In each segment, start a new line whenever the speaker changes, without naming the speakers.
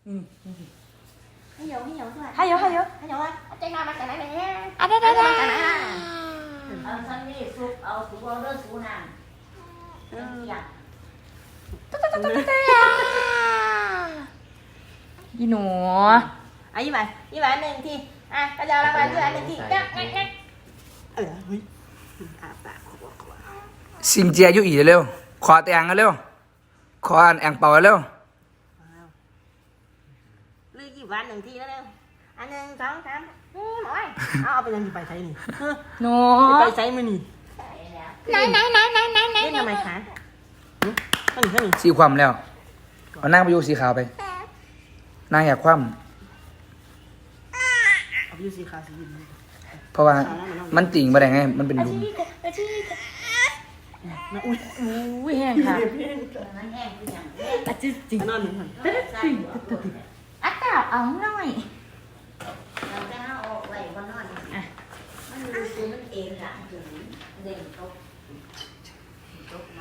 ให้เยอะด้วย
ให้เยอะ
ใจงานมาจากไหนเนี่ย
ได้
เอาซันนี่ซุปเอาซุปเอาเลือดซุปน้ำอยาก
ยีหนู
ยิ้มไปหนึ่งทีกระจายรางวัลด้วยหนึ่งทีงั้นเฮ้ยอาปาก
สิงเจียอยู่อีเร็วขอแต่งกันเร็วขออันแองเป่าเร็ว
ลือกี่วันหนึ่งทีแล้วเร็วอันหนึ่งสองสามหมอยเอาไปยังไปใช้นี่
หนู
ไปใช้มือนี่
ไหน
เล่นทำไมคะข้างนี้
สีความแล้วเอานั่งไปอยู่สีขาวไปนั่งอยากคว่
เอาไปยูสีขาวสียิน
ำเพราะว่ามันติ่งมาได้ไงมันเป็นลุม
อุ้ยแห้งค่ะ
มันแห้งคืออย่าง
อาจริง
นอนหนึ่งคน
อาจารย์เอาหน่อย
เราได้เอาออกไว้บนนอนมันดูคือมันเองละถึงเด่นตกมัน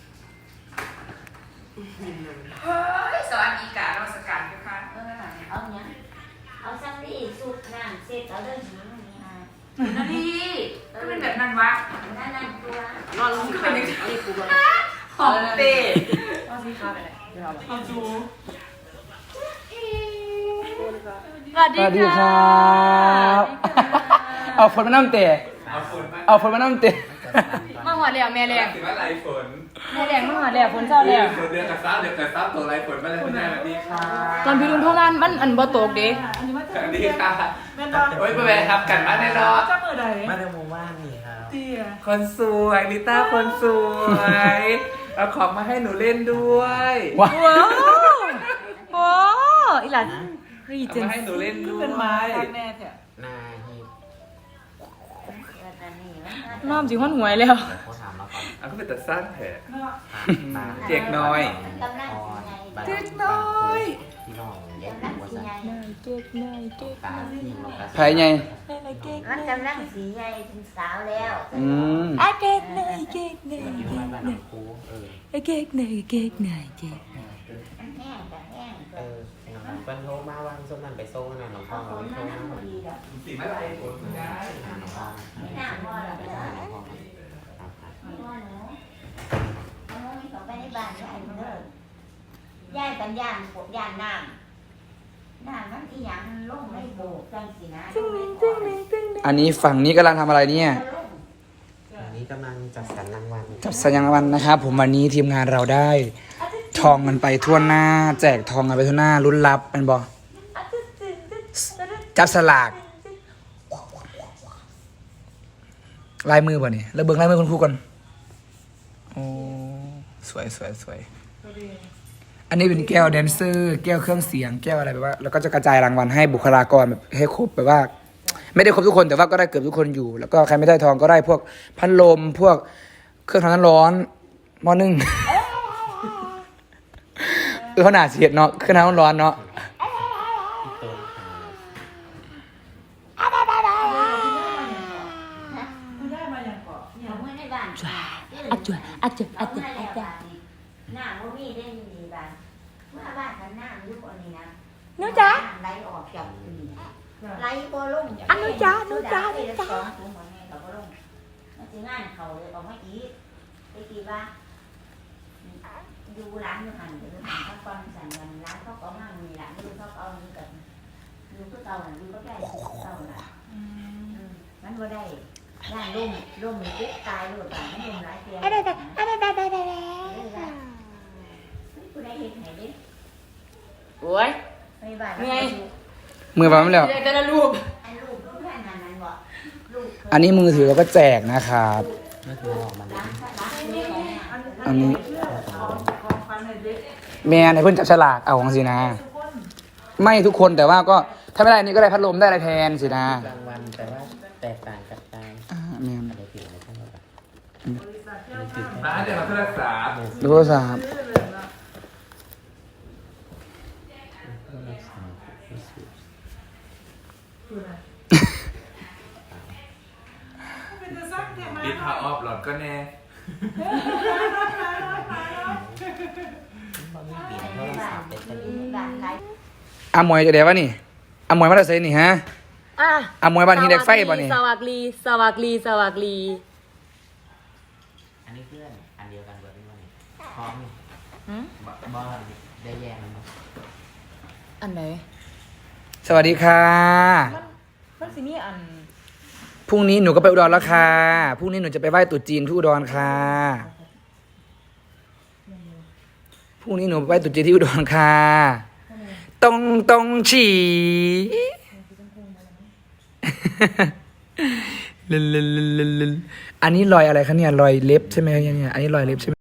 เฮ้ยสวัสดีการราชการทุกท่าน
เอาเนี้ยเอาซักรีสุกน้ำเสร็จเอาเรื่องนี้นี่ฮะ
นาดีก็เป็นแบบนั้นวะ
นั่นตัวนอนลงกันเอาดิปูบอล
หอมเตะ
เอาสีขาวไปเลย
เอาจู
สวัส
สวัส
ดี
ดีค
ค่ะ
รับเอาฝนมาน้ำเตะเอาฝนมาน้ำเตะ
มาหัวเหลี่ยมแม่แรง
ถือว่าไรฝน
แม่แรงมาหัวเหลี่ยมฝนเจ้าแล้ว
ฝนเดือนกับซับเดือนกับซับตัวไรฝนมาเลยคุณนายสวัสดีค่ะ
ตอนพี่ลุงเท่านั้นมันอันบ่ตกเด้
สวัสดีค่ะโอ้ยไปแวะครับกันมาแน่นอน
มาในหมู่บ้านนี่ครับ
คนสวยลิต้าคนสวยเอาของมาให้หนูเล่นด้วย
ว้า
ว้าวโอ้อีหลานรี
เอา
เจน
มาให้หนูเล่นด้วย
นาฮิป
น้อมสิห้อนหวยแล้ว
เขาถามมาก่อน
เอาก็เป็นแต่สร้างแผล
ตา
เด็กน้อย
กำลัง
ออน
สีใหญ่
เด็กน้อยพี่น้องเด็ก
กำลัง
หัว
สี
ใจ
ใหญ่
เก๊กหน่อยเก๊ก
ตาที่ลงกระ
ไผ่ไง
มันกำลังสีใหญ่เป็นสาวแล้ว
อืม
อ่ะเก๊กหน่อยเก๊กหน่อย
อยู่บ้านบ้านหนองคู
เก๊กหน่อยเก๊กหน่อยเก๊กหน่อย
มันแห้งกับแห้ง
เป็นโทรมาวันส้มนั่นไปโซ่นั่นหลวงพ่อ
เอาฝ
เรา
น
ไป
มา
โซ่
นั่งพ
นั่
อน ดีแล้ว
สีมะไรฝนคุณยาย
หาหลวงพ่อ
ไม่น่าพ่อหรอก
ไป
เด้อ
หาหลวงพ่อครับ
พ่อหนูเอาน้องนี่เขาไปในบ้านยายเด้อยายกันย่านปวดย่านน้ำมันอีหยังลงไม่โบกจังสินะ
อันนี้ฝั่งนี้กำลังทำอะไรเนี่ย
วันนี้กำลังจัดสรรรางวัล
จับสัญญาณวันนะครับผมวันนี้ทีมงานเราได้ทองกันไปทั่วหน้า แจกทองกันไปทั่วหน้าลุ้นรับเป็นบอจับสลากลายมือป่ะเนี่ยแล้วเบิ้งลายมือคุณครูก่อนโอ้สวยอันนี้เป็นแก้วแดนเซอร์ แก้วเครื่องเสียงแก้วอะไรแบบว่าแล้วก็จะกระจายรางวัลให้บุคลากรแบบให้ครบแบบว่า ไม่ได้ครบทุกคนแต่ว่าก็ได้เกือบทุกคนอยู่ แล้วก็ใครไม่ได้ทองก็ได้พวกพัดลมพวกเครื่องทำน้ำร้อนหม้อนึ่ง เขาหนาเสียดเนาะเครื่องทำน้ำร้อนเนาะ
ที่โต๊ะ
เอาไว้ในบ้าน
อาจวยอาจวยอาจวย
หน้าว่ามีได้มีบ้านเมื่อบ้านกันหน้ายุคอันนี้นะ
หนูจ๋า
ไหลออกจากปีไหลบ่ลง
อันหนูจ๋าหนูจ๋า
หนูจ๋าถุงหัวแม่กับบ่ลงมันสิงานเขาเลยออกมาอีกไปกี่ว่าดูร้านอยู่หันไปดูหันเขาก่อนสั่นวันร้านเขาก็มั่งมีร้านดูเขาเอานี่กันดูก็เก่าน่ะดูก็ได้เก่าน่ะมันบ่ได้ย่านร่มปุ๊บตายเลยป่ะมันร่มหลายเตียงผู้ใดเห็นไหนดิ
โอ้ย
ไปบ้าน
เหนื่อย
มือวางไม่แล้ว
แต่ละรูป
อันลูกแค่นั้นบ่ลูก
อันนี้มือถือเราก็แจกนะครับ
นั่นคือออกมาแล้ว
อันนี้แม่ในเพื่อนจับฉลากเอาของสินะ ไม่ทุกคนแต่ว่าก็ถ้าไม่ได้นี่ก็ได้พัดลมได้อะไรแทนสินะ
รางวัลแต่ว่าแตกต่างกันไป
แม่
อะไรผิดอะไรทั้งหมด
มาเดี๋ยวมาเพื่อรักษา
ดูโทรศัพท์
อีทาออฟหลอดก็แน่
มันไม่เปลี่ยนโทรศัพท์เป็น
บ้านไหน
อามวยจะเดี๋ยววะนี่อามวยมาได้เซนี่ฮะ
อ่ะ
อามวยบ้านหินเหล็กไฟบ่นี่
สวัสดีสวัสดีสวัสดี
อันนี้เพื่อนอันเดียวกันเบิร์ดนี่วันนี้พร้อมนี่
หืม
บอลได้แยกมันบ่
อันไหน
สวัสดีค่ะ
มันสิมีอัน
พรุ่งนี้หนูก็ไปอุดรแล้วค่ะพรุ่งนี้หนูจะไปไหว้ตรุษจีนที่อุดรค่ะพรุ่งนี้หนูไปไหว้ตรุษจีนที่อุดรค่ะตรงฉี่ อันนี้รอยอะไรคะเนี่ยรอยเล็บใช่ไหมเนี่ยอันนี้รอยเล็บใช่ไหม